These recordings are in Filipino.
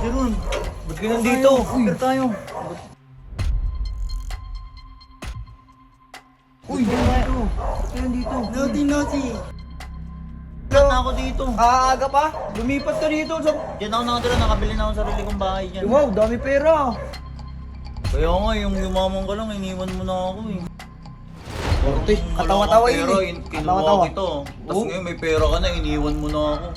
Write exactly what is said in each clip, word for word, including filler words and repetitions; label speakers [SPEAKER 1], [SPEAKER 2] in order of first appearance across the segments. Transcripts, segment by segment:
[SPEAKER 1] Jeron, ba't ka nandito? Uy, tayo. Uy, dito. Ba't ka nandito?
[SPEAKER 2] Naughty, naughty.
[SPEAKER 1] Ba't na ako dito?
[SPEAKER 2] Aaga pa? Lumipat ka dito. Sa...
[SPEAKER 1] Diyan ako nakatira, nakabili na ako ng sarili kong bahay dyan.
[SPEAKER 2] Wow, dami pera.
[SPEAKER 1] Kaya nga, yung yumaman ka lang, iniwan mo na ako eh.
[SPEAKER 2] Orte,
[SPEAKER 1] Wala
[SPEAKER 2] katawa-tawa
[SPEAKER 1] kang
[SPEAKER 2] yun
[SPEAKER 1] pera,
[SPEAKER 2] eh.
[SPEAKER 1] in- Kinuha
[SPEAKER 2] Katawa-tawa.
[SPEAKER 1] kita. Tapos
[SPEAKER 2] Oh.
[SPEAKER 1] ngayon may pera ka na, iniwan mo na ako.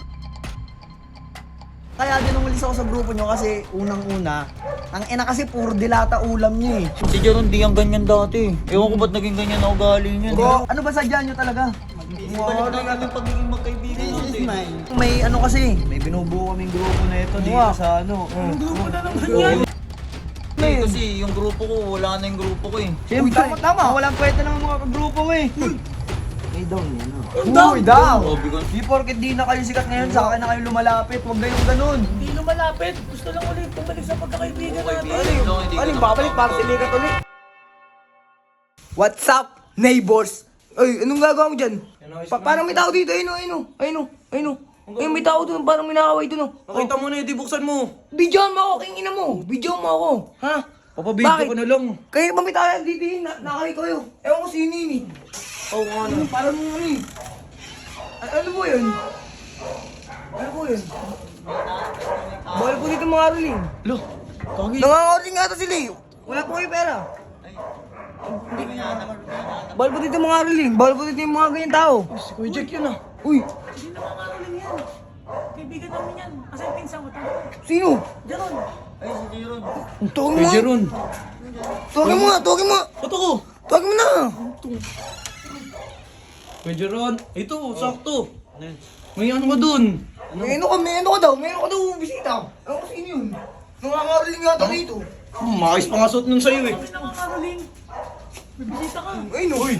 [SPEAKER 2] Kaya din umalis ako sa grupo nyo kasi unang-una, ang ina kasi puro dilata ulam niya eh.
[SPEAKER 1] Si Jeron, di ang ganyan dati. Ewan ko ba't naging ganyan ang ugali niya.
[SPEAKER 2] Bro, ano ba sadya nyo talaga?
[SPEAKER 1] Balik na namin pagiging magkaibigan natin.
[SPEAKER 2] May ano kasi, may binubuo kaming grupo na ito dito sa ano. Ang grupo na naman yan.
[SPEAKER 1] Eh, kasi yung grupo ko, wala na yung grupo ko eh.
[SPEAKER 2] Siyempre, tama, tama. Walang kwenta ng mga kagrupo mo eh. May down yan. Uy, down!
[SPEAKER 1] Sabi ko,
[SPEAKER 2] Di porket di na kayo sikat ngayon, sa akin na kayo lumalapit. Huwag kayong ganun.
[SPEAKER 3] Hindi lumalapit. Gusto lang ulit bumalik sa pagkakaibigan natin.
[SPEAKER 1] kaibigan lang, hindi ko
[SPEAKER 2] Aling
[SPEAKER 1] na
[SPEAKER 2] babalik para silikat ulit. What's up, neighbors? Ay, anong gagawa mo dyan? Pa parang may tao dito, ayun o, ayun o, ayun o, ayun o. Ayun, may tao doon, parang may nakaway doon o.
[SPEAKER 3] Nakita mo na yun, di buksan mo.
[SPEAKER 2] Bidyoan mo ako, king ina mo. Bidyoan mo ako, ha?
[SPEAKER 3] Papabidyo
[SPEAKER 2] Bakit?
[SPEAKER 3] ko na lang.
[SPEAKER 2] Kaya ba may tao dito eh, na nakaway kayo. Ewan ko sino yun eh.
[SPEAKER 3] Oo nga
[SPEAKER 2] Ano, parang ano eh. A- ano mo yun? Ano mo yun? Bawal po dito mga aruling.
[SPEAKER 3] Lo, kagi.
[SPEAKER 2] Nangangaruling nga ito sila eh. Wala po kayo pera. Bawal po dito mga aruling. Bawal po dito yung mga ganyan tao.
[SPEAKER 3] Si Kuya Jack yun ah.
[SPEAKER 2] Uy,
[SPEAKER 3] Hindi na makakaroling yan. Kaibigan namin yan. Kasi pinsan ko tayo.
[SPEAKER 2] sino?
[SPEAKER 3] Jeron.
[SPEAKER 1] ay si Jeron.
[SPEAKER 2] Tawagin mo nga.
[SPEAKER 3] Jeron.
[SPEAKER 2] Tawagin mo nga, tawagin mo nga.
[SPEAKER 3] Ba't ako?
[SPEAKER 2] Tawagin mo na.
[SPEAKER 3] Kuya Jeron. Ito, sakto. May ano ka dun?
[SPEAKER 2] May ano ka, may ano ka daw. May ano ka daw bisita. Ano ko sino yun? Nangangaruling nga ito dito.
[SPEAKER 3] Hmm, makakis pa nga suot nun sa'yo eh. Kami na makakaroling. Bibisita ka.
[SPEAKER 2] Ay no. Uy.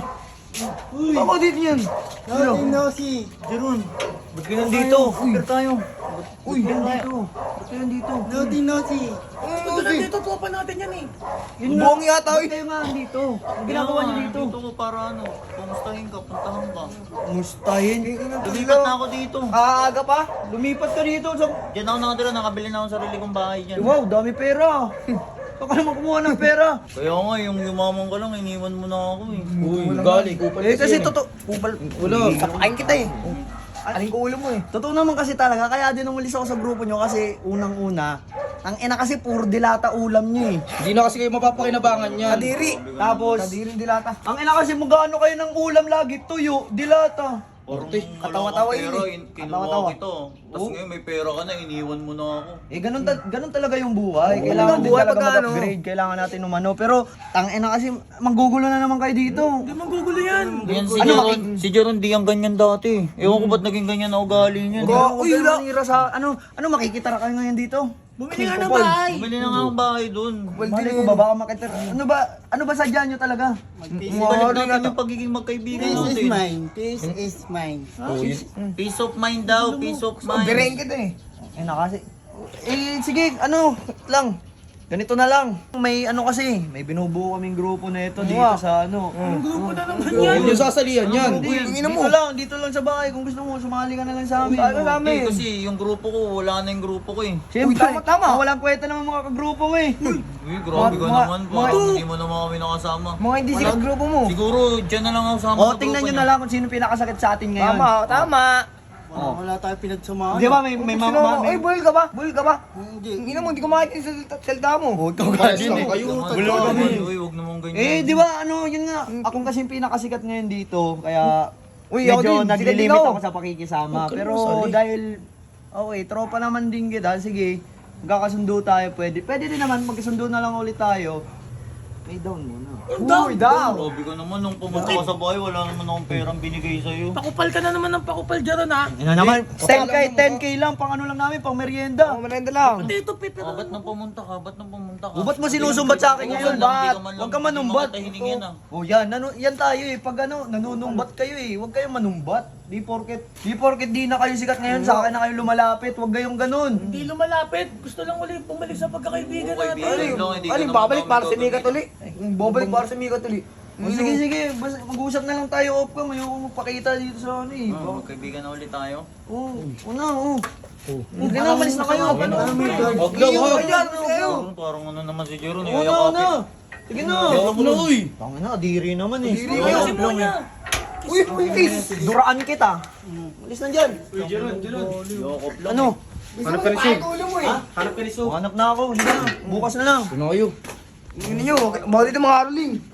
[SPEAKER 2] Ako dito yan. Ano?
[SPEAKER 1] No, si Jeron. Ba't ka nandito?
[SPEAKER 2] Uy.
[SPEAKER 1] Uy, tayo.
[SPEAKER 2] Uy, nandito. Ba't kayo nandito?
[SPEAKER 1] Naughty, naughty.
[SPEAKER 2] Ano
[SPEAKER 3] Ito dito, tropa natin yan eh.
[SPEAKER 2] Yun buong yata
[SPEAKER 1] Ba't
[SPEAKER 2] eh.
[SPEAKER 1] kayo nga nandito? Ang ginagawa niyo dito? Dito ko para ano, kumustahin ka, puntahan ka.
[SPEAKER 2] Mustahin.
[SPEAKER 1] Lumipat na ako dito.
[SPEAKER 2] Aaga pa? Lumipat ka dito. Sa...
[SPEAKER 1] Diyan ako nakatira, nakabili na ako ng sarili kong bahay dyan.
[SPEAKER 2] Wow, dami pera. Saan ka naman kumuha ng pera?
[SPEAKER 1] Kaya nga, yung yumaman ka lang, iniwan mo na ako eh.
[SPEAKER 3] Uy, gali. Kupal
[SPEAKER 2] Eh kasi totoo. Kupal.
[SPEAKER 3] Wala.
[SPEAKER 2] Kapain kita eh. Aling ko ulo mo eh. Totoo naman kasi talaga, kaya din umalis ako sa grupo nyo kasi unang-una, ang ina kasi puro dilata ulam nyo eh.
[SPEAKER 3] Hindi na kasi kayo mapapakinabangan yan.
[SPEAKER 2] Kadiri. Tapos, kadiri dilata. Ang ina kasi magkano kayo ng ulam lagi, tuyo, dilata.
[SPEAKER 3] Orte.
[SPEAKER 2] Katawa-tawa yun
[SPEAKER 1] Pero
[SPEAKER 2] eh.
[SPEAKER 1] kinuha
[SPEAKER 2] Katawa-tawa.
[SPEAKER 1] kita. Tapos ngayon may pera ka na, iniwan mo na ako.
[SPEAKER 2] Eh ganun, ta- ganun talaga yung buhay.
[SPEAKER 3] Oo,
[SPEAKER 2] Kailangan din
[SPEAKER 3] buhay
[SPEAKER 2] talaga
[SPEAKER 3] pagka ano.
[SPEAKER 2] mag-upgrade. Kailangan natin umano. Pero, tang ina kasi, manggugulo na naman kayo dito.
[SPEAKER 3] Hindi magugulo yan.
[SPEAKER 1] Yan si
[SPEAKER 2] Ano,
[SPEAKER 1] Jeron, si Jeron di ang ganyan dati. Ewan ko ba't naging ganyan ang ugali niya.
[SPEAKER 2] Bro, uy, wala. Sa, ano, ano makikitara kayo ngayon dito?
[SPEAKER 3] Bumili nga ng bahay.
[SPEAKER 1] Bumili na nga ang bahay doon.
[SPEAKER 2] Mali ko ba, baka makitara. Ano ba, ano ba sadya nyo talaga?
[SPEAKER 1] Balik natin yung pagiging magkaibigan natin.
[SPEAKER 4] Peace is mine.
[SPEAKER 3] Oh, yun.
[SPEAKER 1] Peace of mind daw, peace of mind.
[SPEAKER 2] Bireng kita eh. Eh na kasi. Eh sige, ano lang. Ganito na lang. May ano kasi, may binubuo kaming grupo na ito dito sa ano.
[SPEAKER 3] Grupo na naman yan. Yung sasalihan yan.
[SPEAKER 2] Uy, dito lang, dito lang sa bahay. Kung gusto mo, sumali ka na lang sa amin. Ano
[SPEAKER 1] Eh, kasi yung grupo ko, wala na yung grupo ko eh.
[SPEAKER 2] Siyempre, tama, tama. Walang kwenta naman mga kagrupo mo eh.
[SPEAKER 1] Uy, grabe ka
[SPEAKER 2] Mga-
[SPEAKER 1] naman.
[SPEAKER 2] mga-
[SPEAKER 1] Parang hindi mo naman kami nakasama.
[SPEAKER 2] Mga hindi sikat grupo mo.
[SPEAKER 1] Siguro, dyan na lang ako sama
[SPEAKER 2] O,
[SPEAKER 1] sa
[SPEAKER 2] tingnan
[SPEAKER 1] grupo
[SPEAKER 2] nyo
[SPEAKER 1] niya.
[SPEAKER 2] na lang kung sino pinakasakit sa atin ngayon. Tama, tama.
[SPEAKER 4] Oh. Wala tayo pinagsamahan.
[SPEAKER 2] Di ba may may mama may... Ay, buhil ka ba? Buhil ka ba?
[SPEAKER 4] Hindi.
[SPEAKER 2] Hindi mo, hindi ko makita yung salita- salita mo. Huwag kang
[SPEAKER 3] Kasi
[SPEAKER 2] ganyan eh.
[SPEAKER 3] kayo,
[SPEAKER 1] Wala
[SPEAKER 3] wala
[SPEAKER 1] naman,
[SPEAKER 3] kami.
[SPEAKER 1] uy, huwag naman ganyan.
[SPEAKER 2] Eh, di ba, ano, yun nga. Akong kasi yung pinakasikat ngayon dito, kaya
[SPEAKER 4] Uy, ako
[SPEAKER 2] medyo
[SPEAKER 4] din,
[SPEAKER 2] naglilimit
[SPEAKER 4] sikat din ako.
[SPEAKER 2] ako sa pakikisama.
[SPEAKER 3] Huwag ka
[SPEAKER 2] Pero
[SPEAKER 3] naman sali.
[SPEAKER 2] dahil, okay, tropa naman din kita, sige, magkakasundo tayo, pwede. Pwede din naman, magkasundo na lang ulit tayo. May down muna.
[SPEAKER 3] Down,
[SPEAKER 2] Uy, down!
[SPEAKER 1] Grabe ka naman, nung pumunta ka sa bahay, wala naman akong perang binigay sa'yo.
[SPEAKER 3] Pakupal ka na naman ng pakupal dyan ha.
[SPEAKER 2] Ano naman, ten K, ten K lang, pang ano lang namin, pang merienda. Oh, merienda lang.
[SPEAKER 3] Dito, Pepe.
[SPEAKER 1] Oh, ba't nang pumunta ka? Ba't nang pumunta ka?
[SPEAKER 2] O, ba't mo sinusumbat sa akin ngayon? Ba't? Huwag ka manumbat.
[SPEAKER 1] Tahilingin ah.
[SPEAKER 2] O yan, nanu yan tayo eh. Pag ano, nanunumbat kayo eh. Huwag kayong manumbat. Di porket, di porket di na kayo sikat ngayon, sa akin na kayo lumalapit. Huwag kayong ganun.
[SPEAKER 3] Hindi lumalapit. Gusto lang ulit bumalik sa pagkakaibigan natin.
[SPEAKER 1] Kaibigan lang, hindi ka
[SPEAKER 2] Aling
[SPEAKER 1] naman
[SPEAKER 2] babalik
[SPEAKER 1] namin
[SPEAKER 2] para sa
[SPEAKER 1] gagawin.
[SPEAKER 2] Mikat uli. Babalik para sa Mikat uli. O sige, sige. Basta mag-usap na lang tayo off cam. Ayoko magpakita dito sa ano eh.
[SPEAKER 1] Oh, magkaibigan na ulit tayo.
[SPEAKER 2] Oo, una, oo. Hindi na, malis na kayo. Ano?
[SPEAKER 3] Huwag lang,
[SPEAKER 2] Iyo,
[SPEAKER 3] huwag.
[SPEAKER 2] ayan, ano kayo?
[SPEAKER 1] Parang, parang ano naman si Jero,
[SPEAKER 2] Una,
[SPEAKER 1] niyayakapin.
[SPEAKER 2] una. Sige na.
[SPEAKER 3] Huwag na, uy.
[SPEAKER 2] Tangin na, diri naman eh.
[SPEAKER 4] Diri
[SPEAKER 2] Oo,
[SPEAKER 4] ka.
[SPEAKER 2] long eh. Uy, uy, kiss. Duraan kita. Malis na dyan.
[SPEAKER 1] Yakap lang.
[SPEAKER 2] Ano?
[SPEAKER 3] Hanap ka ni Sig.
[SPEAKER 4] Ulo mo eh.
[SPEAKER 3] Hanap ka ni Sug.
[SPEAKER 2] Hanap na ako. Sige na. Bukas na lang.
[SPEAKER 3] Ano kayo?
[SPEAKER 4] Tingnan nyo, bakit ito mga Caroling?